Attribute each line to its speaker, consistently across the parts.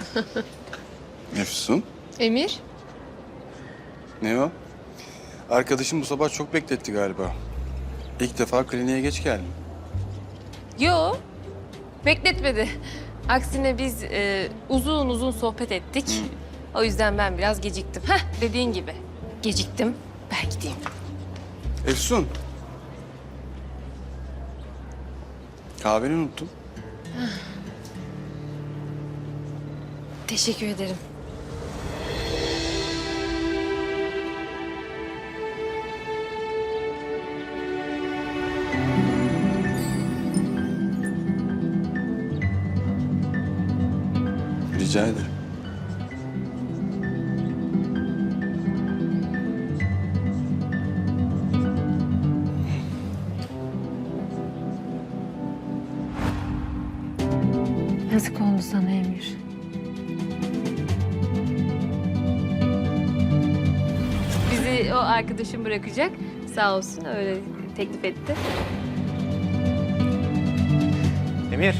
Speaker 1: Efsun,
Speaker 2: Emir?
Speaker 1: ne o? Arkadaşım bu sabah çok bekletti galiba. İlk defa kliniğe geç geldim.
Speaker 2: Yo, bekletmedi. Aksine biz uzun uzun sohbet ettik. O yüzden ben biraz geciktim. Heh, dediğin gibi. Geciktim, ben gideyim.
Speaker 1: Efsun. Kahveni unuttum.
Speaker 2: Teşekkür ederim.
Speaker 1: Rica ederim.
Speaker 2: Yazık oldu sana Emir. Bizi o arkadaşım bırakacak. Sağ olsun öyle teklif etti.
Speaker 3: Emir.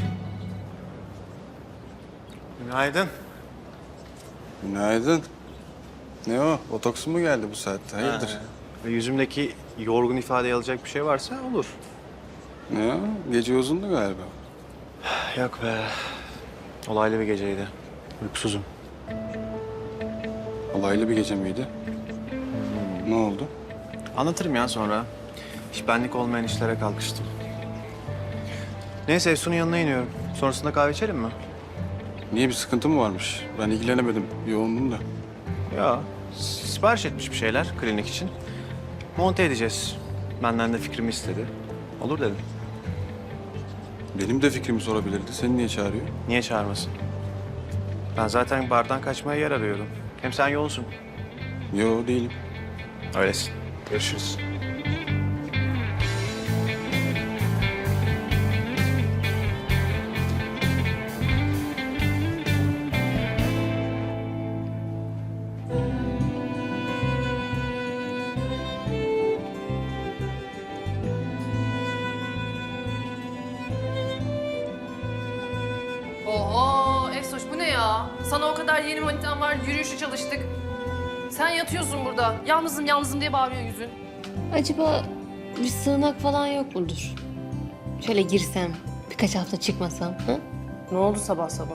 Speaker 3: Günaydın.
Speaker 1: Günaydın. Ne o? Botoksu mu geldi bu saatte? Hayırdır?
Speaker 3: Ve yüzümdeki yorgun ifadeyi alacak bir şey varsa olur.
Speaker 1: Ne o? Gece uzundu galiba.
Speaker 3: Yok be. Olaylı bir geceydi. Uykusuzum.
Speaker 1: Olaylı bir gece miydi? Ne oldu?
Speaker 3: Anlatırım ya sonra. Hiç benlik olmayan işlere kalkıştım. Neyse Efsun'un yanına iniyorum. Sonrasında kahve içelim mi?
Speaker 1: Niye, bir sıkıntı mı varmış? Ben ilgilenemedim. Yoğundum da.
Speaker 3: Ya sipariş etmiş bir şeyler klinik için. Monte edeceğiz. Benden de fikrimi istedi. Olur dedim.
Speaker 1: Benim de fikrimi sorabilirdi. Seni niye çağırıyor?
Speaker 3: Niye çağırmasın? Ben zaten bardan kaçmaya yer arıyorum. Hem sen yoğunsun.
Speaker 1: Yo, değilim.
Speaker 3: Öylesin. Görüşürüz.
Speaker 4: Oho Efsoş bu ne ya? Sana o kadar yeni manitan var, yürüyüşe çalıştık. Sen yatıyorsun burada. Yalnızım yalnızım diye bağırıyor yüzün.
Speaker 2: Acaba bir sığınak falan yok mudur? Şöyle girsem, birkaç hafta çıkmasam. Hı?
Speaker 4: Ne oldu sabah sabah?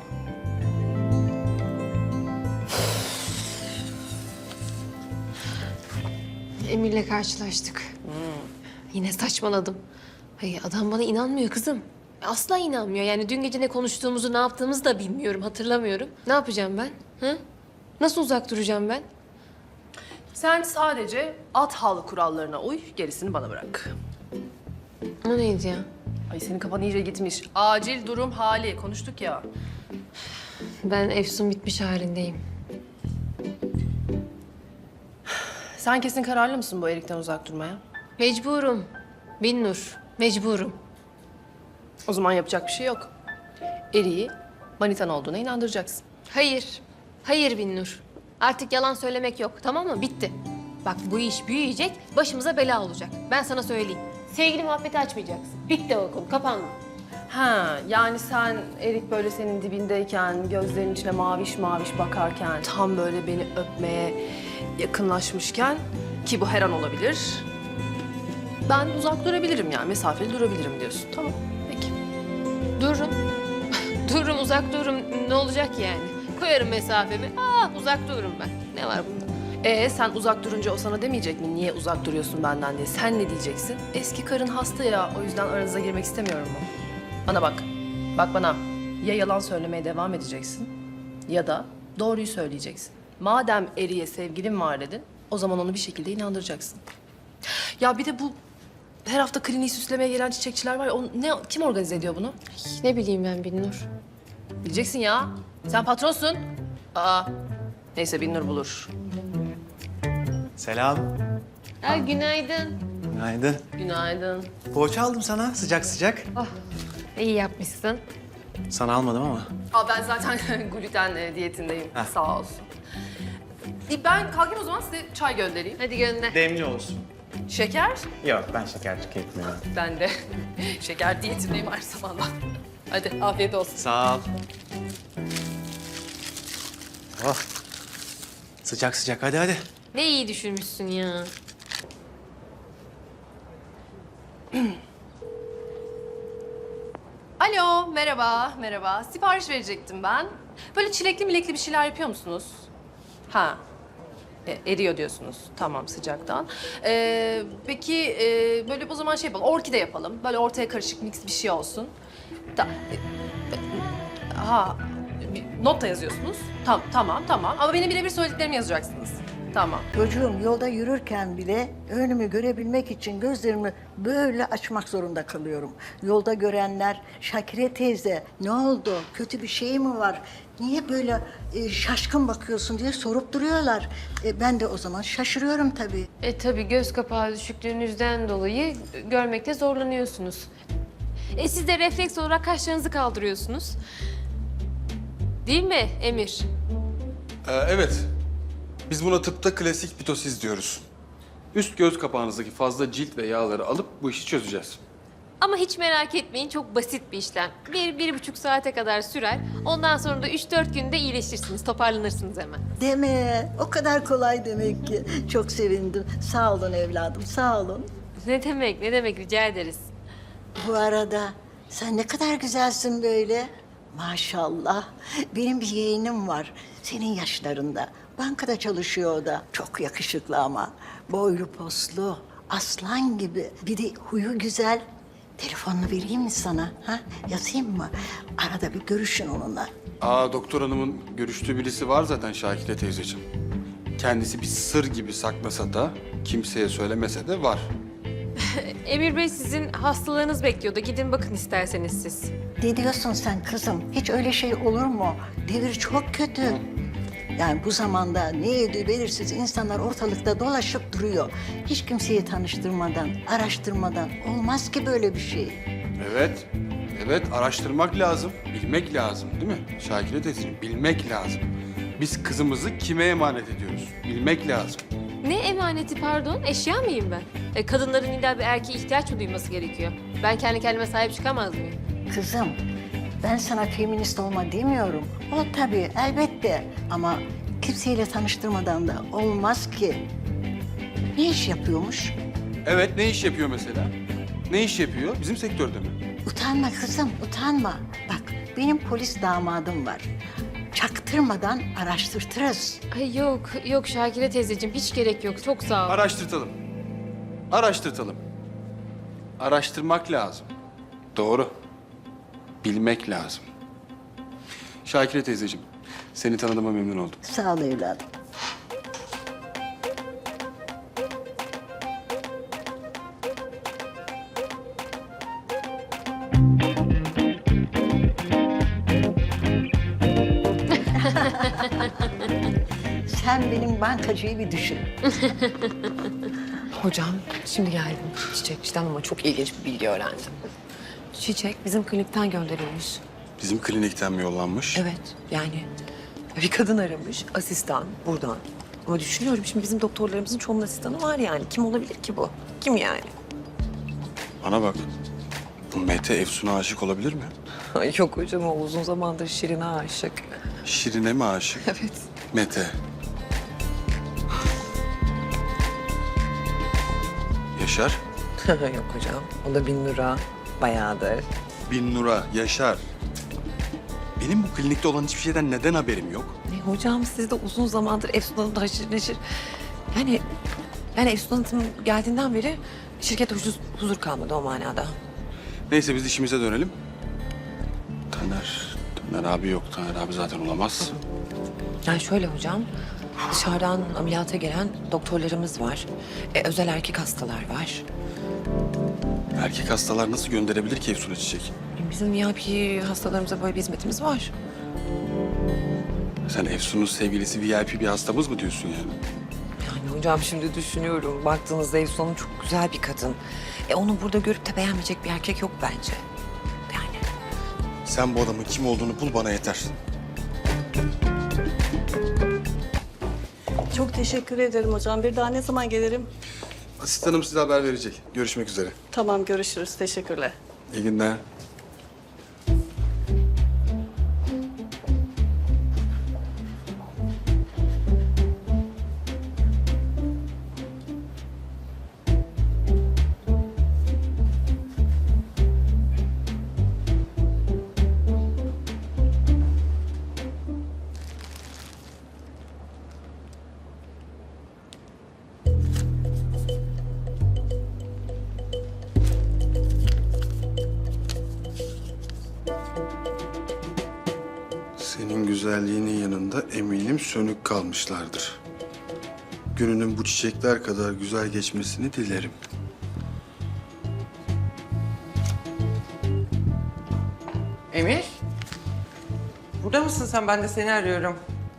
Speaker 2: Emir'le karşılaştık. Yine saçmaladım. Hayır, adam bana inanmıyor kızım. Asla inanmıyor. Yani dün gece ne konuştuğumuzu, ne yaptığımızı da bilmiyorum, hatırlamıyorum. Ne yapacağım ben? Hı? Nasıl uzak duracağım ben?
Speaker 4: Sen sadece at halı kurallarına uy, gerisini bana bırak.
Speaker 2: O neydi ya?
Speaker 4: Ay senin kafan iyice gitmiş. Acil durum hali konuştuk ya.
Speaker 2: Ben Efsun bitmiş halindeyim.
Speaker 4: Sen kesin kararlı mısın bu Erik'ten uzak durmaya?
Speaker 2: Mecburum. Binnur, mecburum.
Speaker 4: O zaman yapacak bir şey yok. Erik'i manitan olduğuna inandıracaksın.
Speaker 2: Hayır, hayır Binnur. Artık yalan söylemek yok, tamam mı? Bitti. Bak bu iş büyüyecek, başımıza bela olacak. Ben sana söyleyeyim. Sevgili muhabbeti açmayacaksın. Bitti o konu, kapandı.
Speaker 4: Ha, yani sen Erik böyle senin dibindeyken, gözlerinin içine maviş maviş bakarken, tam böyle beni öpmeye yakınlaşmışken ki bu her an olabilir. Ben uzak durabilirim yani, mesafeli durabilirim diyorsun. Tamam, peki.
Speaker 2: Dururum. Dururum, uzak dururum. Ne olacak yani? Koyarım mesafemi. Uzak dururum ben. Ne var bunda?
Speaker 4: Sen uzak durunca o sana demeyecek mi? Niye uzak duruyorsun benden diye. Sen ne diyeceksin? Eski karın hasta ya, o yüzden aranıza girmek istemiyorum mu? Bana bak, bak bana. Ya yalan söylemeye devam edeceksin ya da doğruyu söyleyeceksin. Madem Erik'e sevgilin var dedin, o zaman onu bir şekilde inandıracaksın. Ya bir de bu her hafta kliniği süslemeye gelen çiçekçiler var ya, kim organize ediyor bunu?
Speaker 2: Ne bileyim ben Binnur.
Speaker 4: Bileceksin ya. Sen patronsun. Neyse Binnur bulur.
Speaker 3: Selam.
Speaker 2: Günaydın.
Speaker 3: Günaydın.
Speaker 4: Günaydın.
Speaker 3: Poğaça aldım sana sıcak sıcak.
Speaker 2: İyi yapmışsın.
Speaker 3: Sana almadım ama.
Speaker 4: Ben zaten gluten diyetindeyim.
Speaker 3: Heh.
Speaker 4: Sağ olsun. Ben kalkayım o zaman, size çay göndereyim.
Speaker 2: Hadi gönder.
Speaker 3: Demli olsun.
Speaker 4: Şeker?
Speaker 3: Yok ben şeker tüketmiyorum.
Speaker 4: Ben de şeker diyetindeyim her zaman. Hadi afiyet olsun.
Speaker 3: Sağ ol. Oh. Sıcak sıcak hadi hadi.
Speaker 2: Ne iyi düşünmüşsün ya.
Speaker 4: Alo, merhaba, merhaba. Sipariş verecektim ben. Böyle çilekli milekli bir şeyler yapıyor musunuz? Ha, eriyor diyorsunuz. Tamam, sıcaktan. Peki, böyle o zaman şey yapalım, orkide yapalım. Böyle ortaya karışık mix bir şey olsun. Ha, not da yazıyorsunuz. Tamam. Ama benim birebir söylediklerimi yazacaksınız. Tamam.
Speaker 5: Çocuğum yolda yürürken bile önümü görebilmek için gözlerimi böyle açmak zorunda kalıyorum. Yolda görenler, Şakire teyze ne oldu, kötü bir şey mi var, niye böyle şaşkın bakıyorsun diye sorup duruyorlar. Ben de o zaman şaşırıyorum tabii.
Speaker 2: Tabii göz kapağı düşüklüğünüzden dolayı görmekte zorlanıyorsunuz. Siz de refleks olarak kaşlarınızı kaldırıyorsunuz. Değil mi Emir?
Speaker 1: Evet. Biz buna tıpta klasik pitosis diyoruz. Üst göz kapağınızdaki fazla cilt ve yağları alıp bu işi çözeceğiz.
Speaker 2: Ama hiç merak etmeyin, çok basit bir işlem. 1-1,5 saate kadar sürer. Ondan sonra da 3-4 günde iyileşirsiniz, toparlanırsınız hemen.
Speaker 5: Deme, o kadar kolay demek ki. Çok sevindim. Sağ olun evladım, sağ olun.
Speaker 2: Ne demek, rica ederiz.
Speaker 5: Bu arada sen ne kadar güzelsin böyle. Maşallah. Benim bir yeğenim var. Senin yaşlarında. Bankada çalışıyor o da. Çok yakışıklı ama. Boylu poslu. Aslan gibi. Bir de huyu güzel. Telefonunu vereyim mi sana? Ha? Yazayım mı? Arada bir görüşün onunla.
Speaker 1: Doktor hanımın görüştüğü birisi var zaten Şakire teyzeciğim. Kendisi bir sır gibi saklasa da, kimseye söylemese de var.
Speaker 2: Emir Bey sizin hastalarınız bekliyordu. Gidin bakın isterseniz siz.
Speaker 5: Ne diyorsun sen kızım? Hiç öyle şey olur mu? Devir çok kötü. Yani bu zamanda ne yediği belirsiz insanlar ortalıkta dolaşıp duruyor. Hiç kimseyi tanıştırmadan, araştırmadan olmaz ki böyle bir şey.
Speaker 1: Evet araştırmak lazım, bilmek lazım değil mi Şakire teyzeciğim? Bilmek lazım. Biz kızımızı kime emanet ediyoruz? Bilmek lazım.
Speaker 2: Ne emaneti pardon? Eşya mıyım ben? Kadınların illa bir erkeğe ihtiyaç mı duyması gerekiyor? Ben kendi kendime sahip çıkamaz mıyım?
Speaker 5: Kızım, ben sana feminist olma demiyorum. O tabii, elbette. Ama kimseyle tanıştırmadan da olmaz ki. Ne iş yapıyormuş?
Speaker 1: Evet, ne iş yapıyor mesela? Ne iş yapıyor? Bizim sektörde mi?
Speaker 5: Utanma kızım, utanma. Bak, benim polis damadım var. Çaktırmadan araştırtırız.
Speaker 2: Ay yok Şakire teyzeciğim hiç gerek yok. Çok sağ ol.
Speaker 1: Araştırtalım. Araştırmak lazım. Doğru. Bilmek lazım. Şakire teyzeciğim, seni tanıdığıma memnun oldum.
Speaker 5: Sağ ol evladım. Sen benim bankacıyı bir düşün.
Speaker 4: Hocam, şimdi geldim Çiçekçi'den ama çok ilginç bir bilgi öğrendim. Çiçek bizim klinikten gönderilmiş.
Speaker 1: Bizim klinikten mi yollanmış?
Speaker 4: Evet, yani bir kadın aramış, asistan buradan. Ama düşünüyorum şimdi bizim doktorlarımızın çoğunun asistanı var yani. Kim olabilir ki bu? Kim yani?
Speaker 1: Bana bak. Bu Mete Efsun'a aşık olabilir mi?
Speaker 4: Ay yok hocam, o uzun zamandır Şirin'e aşık.
Speaker 1: Şirin'e mi aşık?
Speaker 4: Evet.
Speaker 1: Mete. Yaşar.
Speaker 4: Yok hocam, o da Binnur'a bayağıdır.
Speaker 1: Binnur'a, Yaşar. Benim bu klinikte olan hiçbir şeyden neden haberim yok?
Speaker 4: Hocam siz de uzun zamandır Efsun Hanım'da haşır neşir. Yani Efsun Hanım geldiğinden beri şirkette huzur kalmadı o manada.
Speaker 1: Neyse biz işimize dönelim. Taner abi yok. Taner abi zaten olamaz.
Speaker 4: Yani şöyle hocam, dışarıdan ameliyata gelen doktorlarımız var. Özel erkek hastalar var.
Speaker 1: Erkek hastalar nasıl gönderebilir ki Efsun'a çiçek?
Speaker 4: Bizim VIP hastalarımıza böyle bir hizmetimiz var.
Speaker 1: Sen Efsun'un sevgilisi VIP bir hastamız mı diyorsun yani?
Speaker 4: Yani hocam şimdi düşünüyorum, baktığınızda Efsun Hanım çok güzel bir kadın. Onu burada görüp de beğenmeyecek bir erkek yok bence. Yani.
Speaker 1: Sen bu adamın kim olduğunu bul bana yeter.
Speaker 6: Çok teşekkür ederim hocam. Bir daha ne zaman gelirim?
Speaker 1: Asistanım size haber verecek. Görüşmek üzere.
Speaker 6: Tamam, görüşürüz. Teşekkürler.
Speaker 1: İyi günler. Senin güzelliğinin yanında eminim sönük kalmışlardır. Gününün bu çiçekler kadar güzel geçmesini dilerim.
Speaker 7: Emir? Burada mısın sen? Ben de seni arıyorum.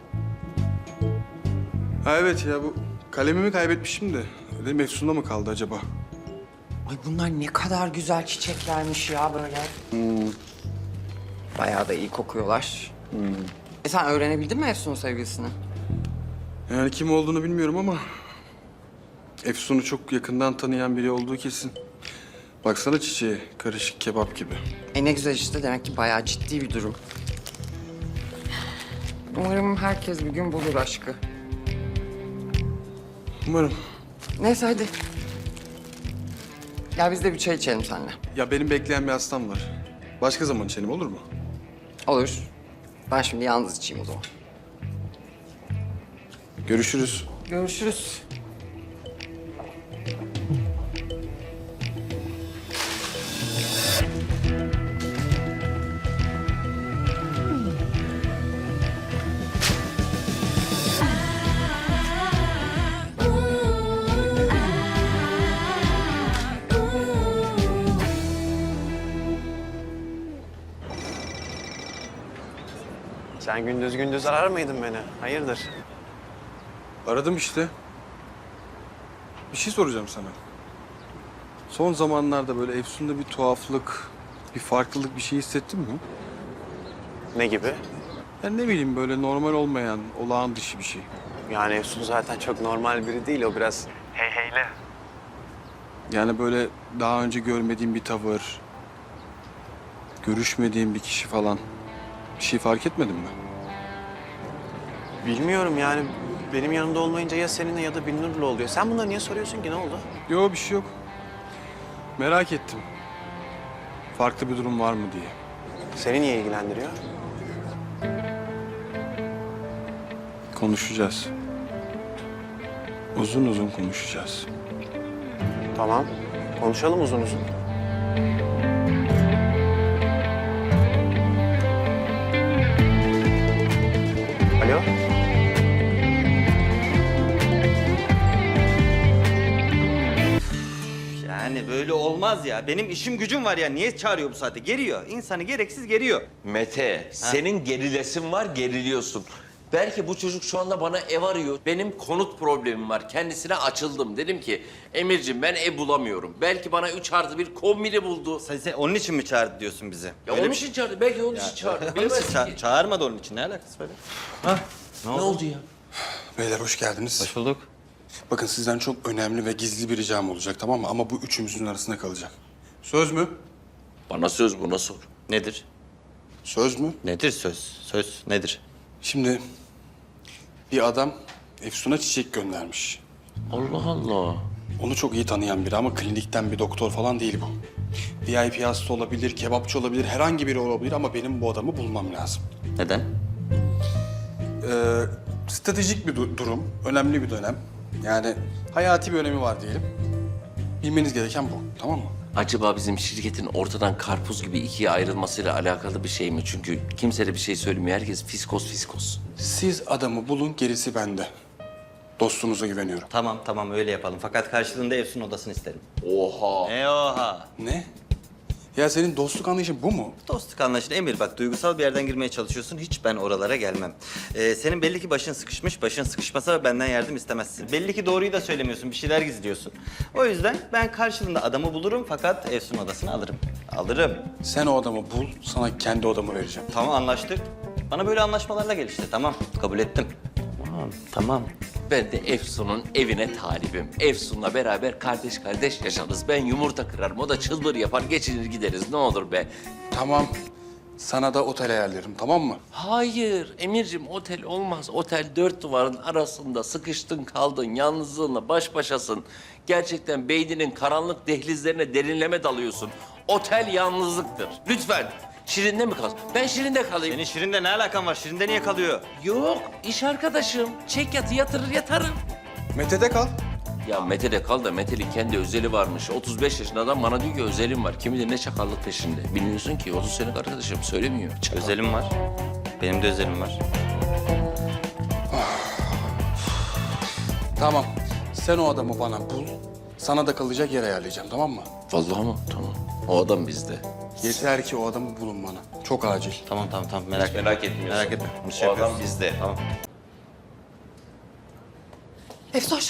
Speaker 1: Ha evet ya, bu kalemimi kaybetmişim de. Dedim Efsun'da mı kaldı acaba?
Speaker 7: Ay bunlar ne kadar güzel çiçeklermiş ya böyle. Bayağı da iyi kokuyorlar. Sen öğrenebildin mi Efsun'un sevgilisini?
Speaker 1: Yani kim olduğunu bilmiyorum ama... Efsun'u çok yakından tanıyan biri olduğu kesin. Baksana çiçeğe, karışık kebap gibi.
Speaker 7: Ne güzel işte. Demek ki bayağı ciddi bir durum. Umarım herkes bir gün bulur aşkı.
Speaker 1: Umarım.
Speaker 7: Neyse hadi. Gel biz de bir çay içelim seninle.
Speaker 1: Ya benim bekleyen bir hastam var. Başka zaman içelim, olur mu?
Speaker 7: Olur. Ben şimdi yalnız içeyim o zaman.
Speaker 1: Görüşürüz.
Speaker 7: Görüşürüz.
Speaker 3: Sen gündüz gündüz arar mıydın beni? Hayırdır?
Speaker 1: Aradım işte. Bir şey soracağım sana. Son zamanlarda böyle Efsun'da bir tuhaflık, bir farklılık bir şey hissettin mi?
Speaker 3: Ne gibi?
Speaker 1: Yani ne bileyim, böyle normal olmayan, olağan dışı bir şey.
Speaker 3: Yani Efsun zaten çok normal biri değil. O biraz heyheyli.
Speaker 1: Yani böyle daha önce görmediğim bir tavır, görüşmediğim bir kişi falan. Bir şey fark etmedin mi?
Speaker 3: Bilmiyorum yani. Benim yanımda olmayınca ya seninle ya da Binnur'la oluyor. Sen bunları niye soruyorsun ki? Ne oldu?
Speaker 1: Yok, bir şey yok. Merak ettim. Farklı bir durum var mı diye.
Speaker 3: Seni niye ilgilendiriyor?
Speaker 1: Konuşacağız. Uzun uzun konuşacağız.
Speaker 3: Tamam. Konuşalım uzun uzun. Alo?
Speaker 8: Yani böyle olmaz ya. Benim işim gücüm var ya. Niye çağırıyor bu saatte? Geriyor. İnsanı gereksiz geriyor.
Speaker 9: Mete, senin gerilesin var, geriliyorsun. Belki bu çocuk şu anda bana ev arıyor. Benim konut problemim var. Kendisine açıldım. Dedim ki, Emirciğim ben ev bulamıyorum. Belki bana 3+1 kombini buldu.
Speaker 8: Sen onun için mi çağırdı diyorsun bizi?
Speaker 9: Ya
Speaker 8: Öyle
Speaker 9: onun
Speaker 8: bir-
Speaker 9: için çağırdı. Belki onun için çağırdı. Bilemezsin ki.
Speaker 8: Çağırmadı onun için. Ne alakası var?
Speaker 9: Ne oldu ya?
Speaker 1: Beyler hoş geldiniz.
Speaker 8: Hoş bulduk.
Speaker 1: Bakın sizden çok önemli ve gizli bir ricam olacak, tamam mı? Ama bu üçümüzün arasında kalacak. Söz mü?
Speaker 9: Bana söz buna sor.
Speaker 8: Nedir?
Speaker 1: Söz mü?
Speaker 8: Nedir söz? Söz nedir?
Speaker 1: Şimdi bir adam Efsun'a çiçek göndermiş.
Speaker 9: Allah Allah.
Speaker 1: Onu çok iyi tanıyan biri ama klinikten bir doktor falan değil bu. VIP hasta olabilir, kebapçı olabilir, herhangi biri olabilir ama benim bu adamı bulmam lazım.
Speaker 8: Neden?
Speaker 1: Stratejik bir durum, önemli bir dönem. Yani hayati bir önemi var diyelim. Bilmeniz gereken bu, tamam mı?
Speaker 9: Acaba bizim şirketin ortadan karpuz gibi ikiye ayrılmasıyla alakalı bir şey mi? Çünkü kimse de bir şey söylemiyor. Herkes fiskos fiskos.
Speaker 1: Siz adamı bulun, gerisi bende. Dostunuza güveniyorum.
Speaker 8: Tamam öyle yapalım. Fakat karşılığında Efsun odasını isterim.
Speaker 9: Oha.
Speaker 8: Oha.
Speaker 1: Ne? Ya senin dostluk anlayışın bu mu?
Speaker 8: Dostluk anlaşılı. Emir bak, duygusal bir yerden girmeye çalışıyorsun. Hiç ben oralara gelmem. Senin belli ki başın sıkışmış. Başın sıkışmasa benden yardım istemezsin. Belli ki doğruyu da söylemiyorsun. Bir şeyler gizliyorsun. O yüzden ben karşılığında adamı bulurum fakat Efsun odasını alırım. Alırım.
Speaker 1: Sen o adamı bul, sana kendi odamı vereceğim.
Speaker 8: Tamam, anlaştık. Bana böyle anlaşmalarla gel işte. Tamam, kabul ettim.
Speaker 9: Tamam. Ben de Efsun'un evine talibim. Efsun'la beraber kardeş kardeş yaşarız. Ben yumurta kırarım, o da çılbır yapar, geçinir gideriz. Ne olur be.
Speaker 1: Tamam, sana da otel ayarlarım, tamam mı?
Speaker 9: Hayır Emir'cim, otel olmaz. Otel dört duvarın arasında sıkıştın kaldın, yalnızlığınla baş başasın. Gerçekten beyninin karanlık dehlizlerine derinleme dalıyorsun. Otel yalnızlıktır. Lütfen. Şirin'de mi kalsın? Ben Şirin'de kalayım.
Speaker 8: Senin Şirin'de ne alakan var? Şirin'de niye kalıyor?
Speaker 9: Yok, iş arkadaşım. Çek yatı yatırır yatarım.
Speaker 1: Mete'de kal.
Speaker 9: Ya Mete'de kal da Mete'nin kendi özeli varmış. 35 yaşında adam bana diyor ki özelim var. Kim bilir ne çakallık peşinde. Bilmiyorsun ki 30 senelik arkadaşım söylemiyor. Çakal.
Speaker 8: Özelim var. Benim de özelim var.
Speaker 1: Tamam. Sen o adamı bana bul. Sana da kalacak yer ayarlayacağım, tamam mı?
Speaker 9: Vallahi mı? Tamam. O adam bizde.
Speaker 1: Yeter ki o adamı bulun bana. Çok acil.
Speaker 8: Tamam merak etme.
Speaker 9: Merak etmiyorsun.
Speaker 8: Merak etme. Bunu
Speaker 9: O adam
Speaker 8: yapıyoruz.
Speaker 9: bizde.
Speaker 8: Tamam.
Speaker 4: Efsoş.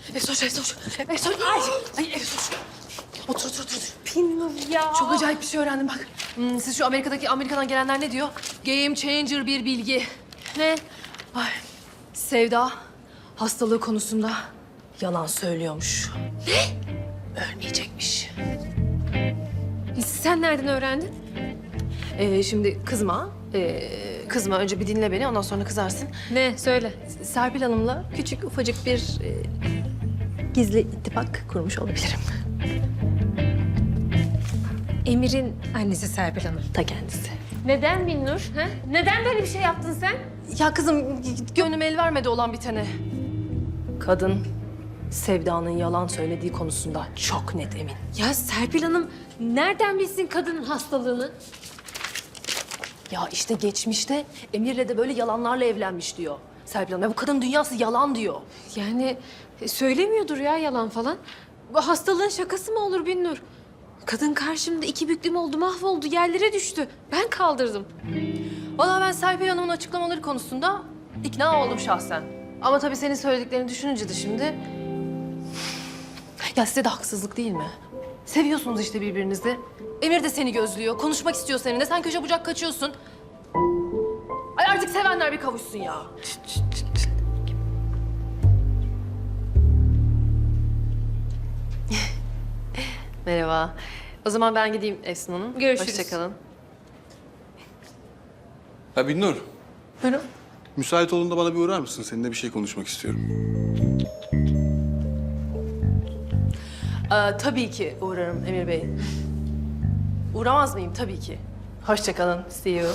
Speaker 4: Ay Efsoş. Otur.
Speaker 2: Bilmiyorum ya.
Speaker 4: Çok acayip bir şey öğrendim bak. Siz şu Amerika'dan gelenler ne diyor? Game changer bir bilgi.
Speaker 2: Ne?
Speaker 4: Ay, Sevda hastalığı konusunda yalan söylüyormuş. Ne? Ölmeyecekmiş.
Speaker 2: Sen nereden öğrendin?
Speaker 4: Şimdi kızma. Kızma. Önce bir dinle beni, ondan sonra kızarsın.
Speaker 2: Ne? Söyle.
Speaker 4: Serpil Hanım'la küçük ufacık bir gizli ittifak kurmuş olabilirim.
Speaker 2: Emir'in annesi Serpil Hanım.
Speaker 4: Ta kendisi.
Speaker 2: Neden Binnur? Ha? Neden böyle bir şey yaptın sen?
Speaker 4: Ya kızım, gönlüm el vermedi olan bitene. Kadın Sevda'nın yalan söylediği konusunda çok net emin.
Speaker 2: Ya Serpil Hanım nereden bilsin kadının hastalığını?
Speaker 4: Ya işte geçmişte Emir'le de böyle yalanlarla evlenmiş diyor Serpil Hanım. Ya bu kadın dünyası yalan diyor.
Speaker 2: Yani söylemiyordur ya yalan falan. Bu hastalığın şakası mı olur Binnur? Kadın karşımda iki büklüm oldu, mahvoldu, yerlere düştü. Ben kaldırdım.
Speaker 4: Vallahi ben Serpil Hanım'ın açıklamaları konusunda ikna oldum şahsen. Ama tabii senin söylediklerini düşününce de şimdi... Ya size de haksızlık değil mi? Seviyorsunuz işte birbirinizi. Emir de seni gözlüyor, konuşmak istiyor seninle. Sen köşe bucak kaçıyorsun. Ay artık sevenler bir kavuşsun ya. Merhaba. O zaman ben gideyim Efsun Hanım.
Speaker 2: Görüşürüz.
Speaker 4: Hoşçakalın.
Speaker 1: Ha Binnur,
Speaker 4: Buyurun.
Speaker 1: müsait olduğunda bana bir uğrar mısın? Seninle bir şey konuşmak istiyorum.
Speaker 4: Tabii ki uğrarım Emir Bey. Uğramaz mıyım? Tabii ki. Hoşçakalın. See you.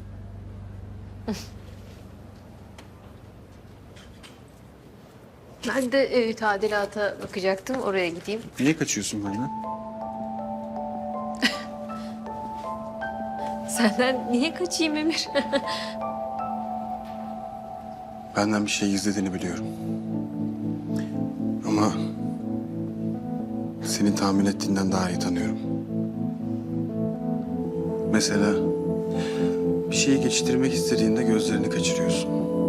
Speaker 2: Ben de tadilata bakacaktım, oraya gideyim.
Speaker 1: Niye kaçıyorsun benden?
Speaker 2: Senden niye kaçayım Emir?
Speaker 1: Benden bir şey gizlediğini biliyorum. Ama seni tahmin ettiğinden daha iyi tanıyorum. Mesela bir şeyi geçiştirmek istediğinde gözlerini kaçırıyorsun.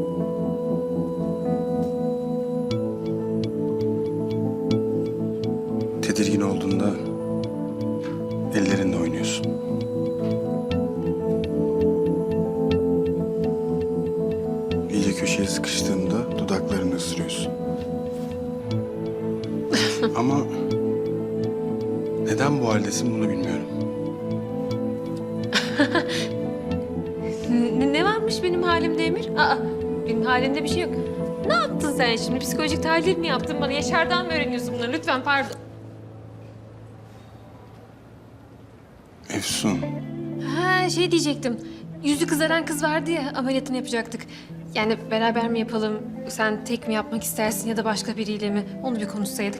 Speaker 1: Tedirgin olduğunda ellerinle oynuyorsun. İyice köşeye sıkıştığında dudaklarını ısırıyorsun. Ama neden bu haldesin bunu bilmiyorum.
Speaker 2: Ne varmış benim halimde Emir? Aa, benim halimde bir şey yok. Ne yaptın sen şimdi? Psikolojik tahlil mi yaptın bana? Yaşar'dan mı öğreniyorsun bunları? Lütfen pardon.
Speaker 1: Efsun,
Speaker 2: Ha şey diyecektim. Yüzü kızaran kız vardı ya, ameliyatını yapacaktık. Yani beraber mi yapalım? Sen tek mi yapmak istersin ya da başka biriyle mi? Onu bir konuşsaydık.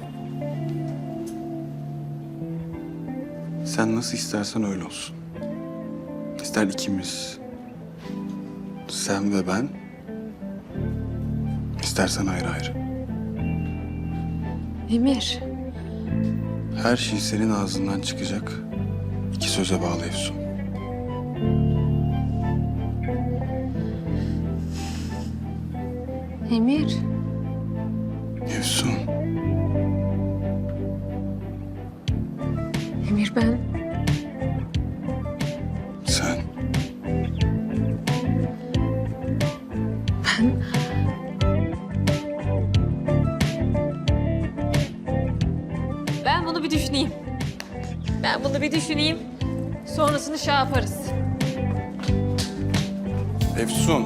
Speaker 1: sen nasıl istersen öyle olsun. İster ikimiz, sen ve ben, istersen ayrı ayrı.
Speaker 2: Emir.
Speaker 1: Her şey senin ağzından çıkacak. İki söze bağlı Efsun.
Speaker 2: Emir.
Speaker 1: Efsun,
Speaker 2: Emir ben.
Speaker 1: sen.
Speaker 2: Ben bunu bir düşüneyim. Ben bunu bir düşüneyim. Sonrasını şey yaparız.
Speaker 1: Efsun.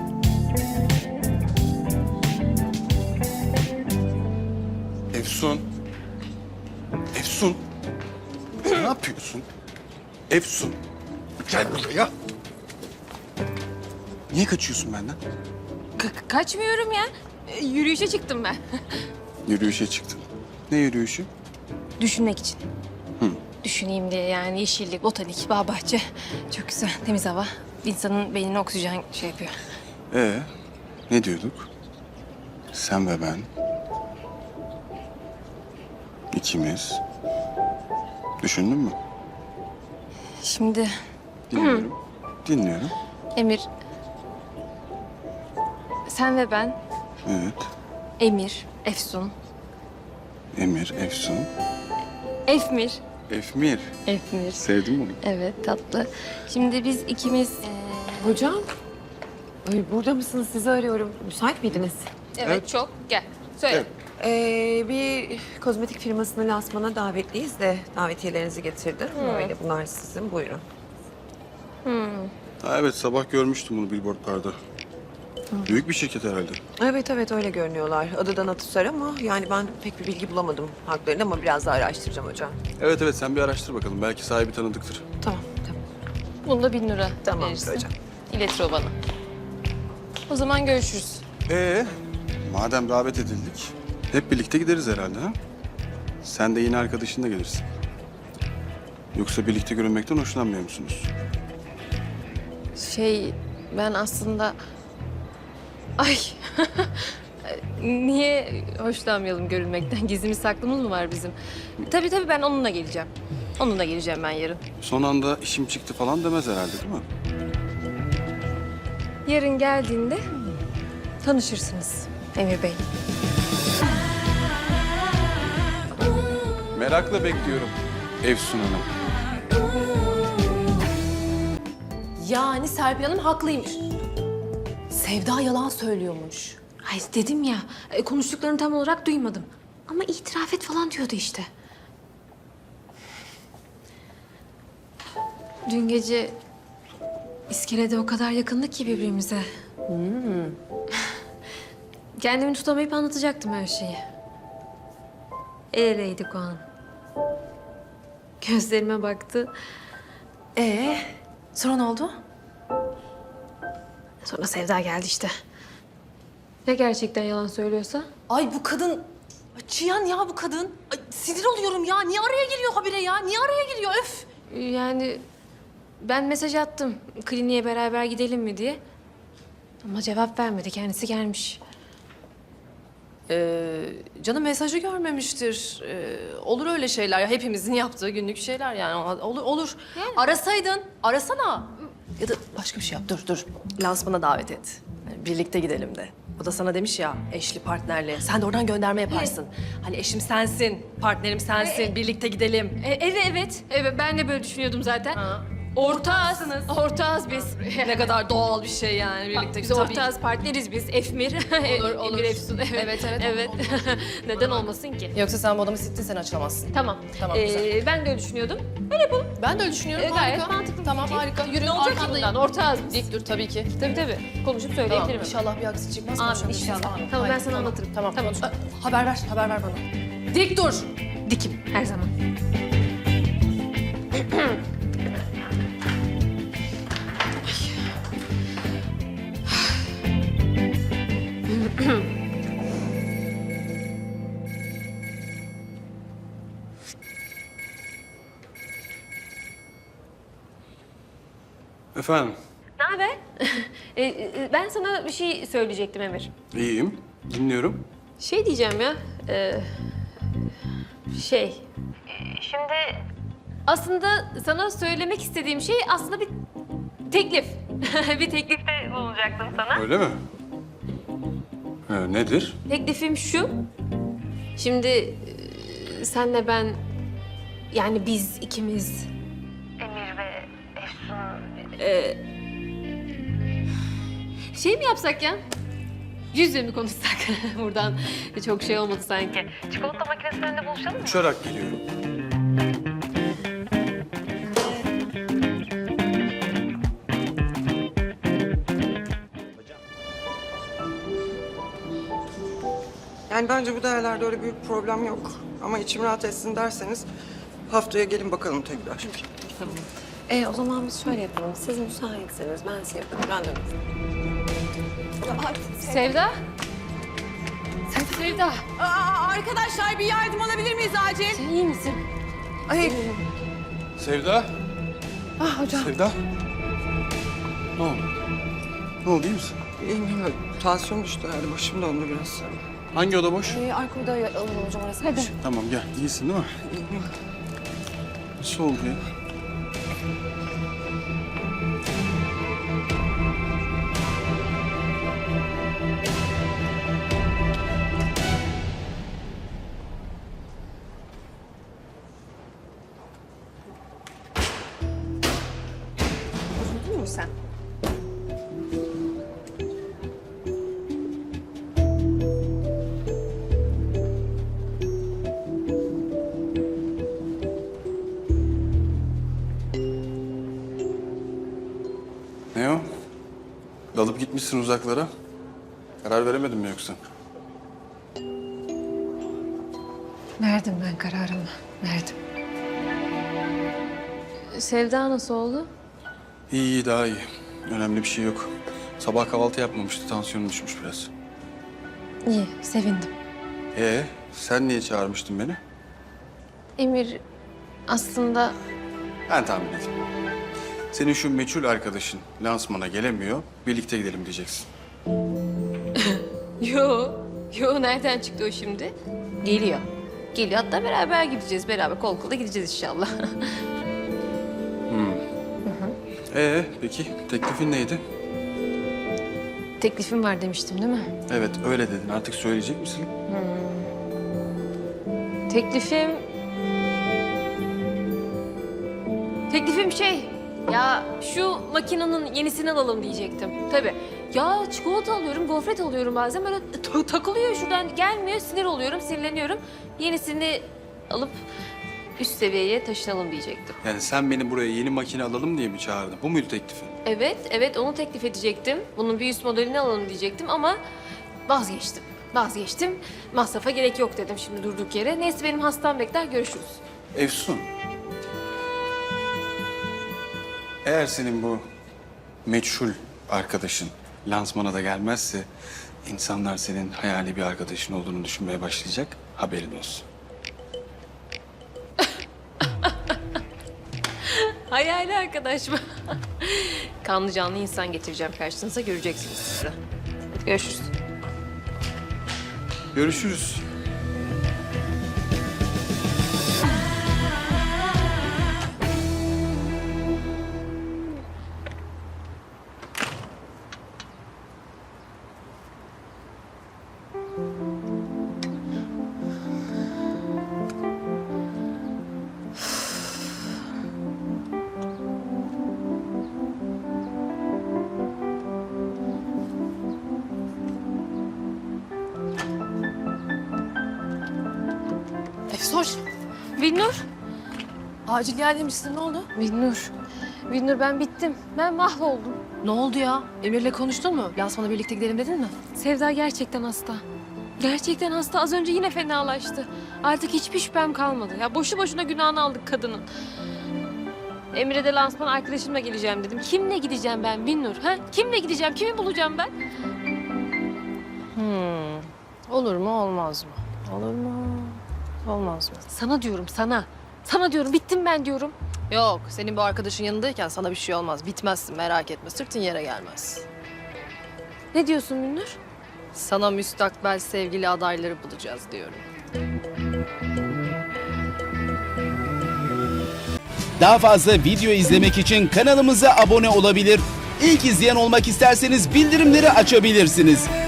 Speaker 1: Efsun. Efsun. Ne yapıyorsun? Efsun. Gel buraya. Niye kaçıyorsun benden?
Speaker 2: Kaçmıyorum ya. Yürüyüşe çıktım ben.
Speaker 1: Yürüyüşe çıktın. Ne yürüyüşü?
Speaker 2: Düşünmek için. düşüneyim diye yani yeşillik, botanik, bağ bahçe. Çok güzel, temiz hava. İnsanın beynine oksijen şey yapıyor.
Speaker 1: Ne diyorduk? Sen ve ben. İkimiz. Düşündün mü?
Speaker 2: Şimdi
Speaker 1: Dinliyorum. Dinliyorum.
Speaker 2: Emir, sen ve ben,
Speaker 1: Evet.
Speaker 2: Emir, Efsun,
Speaker 1: Emir, Efsun,
Speaker 2: Efmir.
Speaker 1: Efmir.
Speaker 2: Efmir.
Speaker 1: Sevdin bunu.
Speaker 2: Evet, tatlı. Şimdi biz ikimiz...
Speaker 10: Hocam, ay burada mısınız? Sizi arıyorum. Müsait miydiniz?
Speaker 2: Evet, çok. Gel, söyle.
Speaker 1: Evet.
Speaker 10: Bir kozmetik firmasının lansmana davetliyiz de davetiyelerinizi getirdim. Böyle bunlar sizin. Buyurun.
Speaker 1: Ha, evet, sabah görmüştüm bunu billboardlarda. Büyük bir şirket herhalde.
Speaker 10: Evet evet öyle görünüyorlar. Adıdan Atusar ama yani ben pek bir bilgi bulamadım haklarını ama biraz daha araştıracağım hocam.
Speaker 1: Evet evet, sen bir araştır bakalım. Belki sahibi tanıdıktır.
Speaker 10: Tamam tamam.
Speaker 2: Bunda 1000 lira
Speaker 10: Tamamdır
Speaker 2: verirsin.
Speaker 10: hocam.
Speaker 2: İletir o bana. O zaman görüşürüz.
Speaker 1: Madem davet edildik, hep birlikte gideriz herhalde ha? Sen de yine arkadaşınla gelirsin. Yoksa birlikte görünmekten hoşlanmıyor musunuz?
Speaker 2: Ben aslında... Ay! Niye hoşlanmayalım görünmekten? Gizlimiz saklımız mı var bizim? Tabii ben onunla geleceğim. Onunla geleceğim ben yarın.
Speaker 1: Son anda işim çıktı falan demez herhalde, değil mi?
Speaker 2: Yarın geldiğinde tanışırsınız Emir Bey.
Speaker 1: Merakla bekliyorum Efsun Hanım.
Speaker 4: Yani Serpil Hanım haklıymış. Sevda yalan söylüyormuş.
Speaker 2: Ay dedim ya, konuştuklarını tam olarak duymadım. Ama itiraf et falan diyordu işte. Dün gece iskelede o kadar yakındık ki birbirimize. Kendimi tutamayıp anlatacaktım her şeyi. El eleydik o an. Gözlerime baktı.
Speaker 4: Sonra ne oldu?
Speaker 2: Sonra Sevda geldi işte. Ya gerçekten yalan söylüyorsa?
Speaker 4: Ay bu kadın... Ay, Çiyan ya bu kadın. Ay, sinir oluyorum ya. Niye araya giriyor habire ya? Niye araya giriyor? Öf!
Speaker 2: Yani ben mesaj attım kliniğe beraber gidelim mi diye. Ama cevap vermedi. Kendisi gelmiş.
Speaker 4: Canım mesajı görmemiştir. Olur öyle şeyler ya. Hepimizin yaptığı günlük şeyler yani. Olur. Arasaydın. Arasana. Ya da başka bir şey yap. Dur. Lansmana davet et. Yani birlikte gidelim de. O da sana demiş ya eşli partnerli. Sen de oradan gönderme yaparsın. Hani eşim sensin, partnerim sensin. Birlikte gidelim.
Speaker 2: Evet, ben de böyle düşünüyordum zaten.
Speaker 4: Ha.
Speaker 2: Ortağız biz.
Speaker 4: Ne kadar doğal bir şey yani birlikte.
Speaker 2: Biz
Speaker 4: Tabii.
Speaker 2: ortağız, partneriz biz. Efmir.
Speaker 4: Olur.
Speaker 2: Emir Efsun.
Speaker 4: Evet.
Speaker 2: Neden olmasın ki?
Speaker 4: Yoksa sen bu adamı sittin, sen açılamazsın.
Speaker 2: Tamam.
Speaker 4: Tamam, güzel.
Speaker 2: Ben de öyle düşünüyordum.
Speaker 4: Ben de öyle düşünüyorum.
Speaker 2: Gayet
Speaker 4: harika.
Speaker 2: mantıklı.
Speaker 4: Tamam, harika. Yürü,
Speaker 2: Ne olacak ki
Speaker 4: arkandayım.
Speaker 2: bundan? Ortağız biz.
Speaker 4: Dik dur tabii ki.
Speaker 2: Tabii. Konuşup
Speaker 4: Tamam,
Speaker 2: söyleyebilirim.
Speaker 4: inşallah bir aksi çıkmaz.
Speaker 2: Amin,
Speaker 4: konuşalım.
Speaker 2: inşallah.
Speaker 4: Amin.
Speaker 2: Tamam, ben
Speaker 4: Haydi,
Speaker 2: sana anlatırım.
Speaker 4: Tamam.
Speaker 2: Tamam.
Speaker 4: Haber ver bana. Dik dur.
Speaker 2: Dikim her zaman.
Speaker 1: Efendim,
Speaker 2: Ne haber? Ben sana bir şey söyleyecektim Emir.
Speaker 1: iyiyim. Dinliyorum.
Speaker 2: Şey diyeceğim ya. Şimdi aslında sana söylemek istediğim şey aslında bir teklif. Bir teklifte bulunacaktım sana.
Speaker 1: Öyle mi? Nedir?
Speaker 2: Teklifim şu. Şimdi senle ben, yani biz ikimiz. Emir ve Efsun. Şey mi yapsak ya? Yüz yüze mi konuşsak? Buradan çok şey olmadı sanki. Çikolata makinesinin önünde buluşalım mı?
Speaker 1: Uçarak geliyorum.
Speaker 7: Yani bence bu değerlerde öyle büyük problem yok. Ama içim rahat etsin derseniz haftaya gelin bakalım tekrar.
Speaker 10: O zaman biz şöyle yapalım. Siz müsaitseniz ben size yaparım. Randevu.
Speaker 2: Sevda? Sevda,
Speaker 10: Arkadaşlar bir yardım alabilir miyiz acil?
Speaker 2: sen iyi misin?
Speaker 10: Ay,
Speaker 1: Sevda?
Speaker 10: Ah hocam.
Speaker 1: Sevda? Ne oldu? Ne oldu, iyi misin?
Speaker 7: İyiyim. Tansiyon düştü herhalde. Başım döndü biraz.
Speaker 1: Hangi oda boş?
Speaker 10: Arka odaya alalım hocam orası. Hadi.
Speaker 1: Tamam gel. İyisin değil mi?
Speaker 7: İyiyim.
Speaker 1: Nasıl oldu ya?
Speaker 10: Üzüldün mü sen?
Speaker 1: Ne o? Dalıp gitmişsin uzaklara. Karar veremedin mi yoksa?
Speaker 2: Verdim ben kararımı. Verdim. Sevda nasıl oldu?
Speaker 1: İyi, iyi, daha iyi. Önemli bir şey yok. Sabah kahvaltı yapmamıştı. Tansiyonu düşmüş biraz.
Speaker 2: İyi, sevindim.
Speaker 1: Sen niye çağırmıştın beni?
Speaker 2: Emir aslında
Speaker 1: Ben tahmin edeyim. Senin şu meçhul arkadaşın lansmana gelemiyor. Birlikte gidelim diyeceksin.
Speaker 2: Yo nereden çıktı o şimdi? Geliyor. Geliyor, hatta beraber gideceğiz. Beraber kol kola gideceğiz inşallah.
Speaker 1: Peki teklifin neydi?
Speaker 2: Teklifim var demiştim değil mi?
Speaker 1: Evet öyle dedin. Artık söyleyecek misin?
Speaker 2: Teklifim şey, ya şu makinenin yenisini alalım diyecektim. Tabii. Ya çikolata alıyorum, gofret alıyorum bazen böyle takılıyor şuradan gelmiyor, sinir oluyorum, sinirleniyorum. Yenisini alıp üst seviyeye taşınalım diyecektim.
Speaker 1: Yani sen beni buraya yeni makine alalım diye mi çağırdın? Bu muydu teklifin?
Speaker 2: Evet onu teklif edecektim. Bunun bir üst modelini alalım diyecektim ama vazgeçtim. Masrafa gerek yok dedim şimdi durduk yere. Neyse benim hastam bekler, görüşürüz.
Speaker 1: Efsun. Eğer senin bu meçhul arkadaşın lansmana da gelmezse insanlar senin hayali bir arkadaşın olduğunu düşünmeye başlayacak. Haberin olsun.
Speaker 2: Hayali arkadaş mı? Kanlı canlı insan getireceğim karşınıza, göreceksiniz siz de. Hadi görüşürüz.
Speaker 1: Görüşürüz.
Speaker 4: Efsoş,
Speaker 2: Binnur.
Speaker 4: acil yer demişsin. Ne oldu?
Speaker 2: Binnur ben bittim. Ben mahvoldum.
Speaker 4: Ne oldu ya? Emir'le konuştun mu? Lansmana birlikte gidelim dedin mi?
Speaker 2: Sevda gerçekten hasta. Gerçekten hasta. Az önce yine fenalaştı. Artık hiçbir şüphem kalmadı. Ya boşu boşuna günahını aldık kadının. Emre de lansman arkadaşımla geleceğim dedim. Kimle gideceğim ben Binnur? Ha? Kimle gideceğim? Kimi bulacağım ben?
Speaker 4: Olur mu, olmaz mı? Olur mu, olmaz mı?
Speaker 2: Sana diyorum sana. Sana diyorum bittim ben diyorum.
Speaker 4: Yok, senin bu arkadaşın yanındayken sana bir şey olmaz. Bitmezsin, merak etme. Sırtın yere gelmez.
Speaker 2: Ne diyorsun Binnur?
Speaker 4: Sana müstakbel sevgili adayları bulacağız diyorum.
Speaker 11: Daha fazla video izlemek için kanalımıza abone olabilir. İlk izleyen olmak isterseniz bildirimleri açabilirsiniz.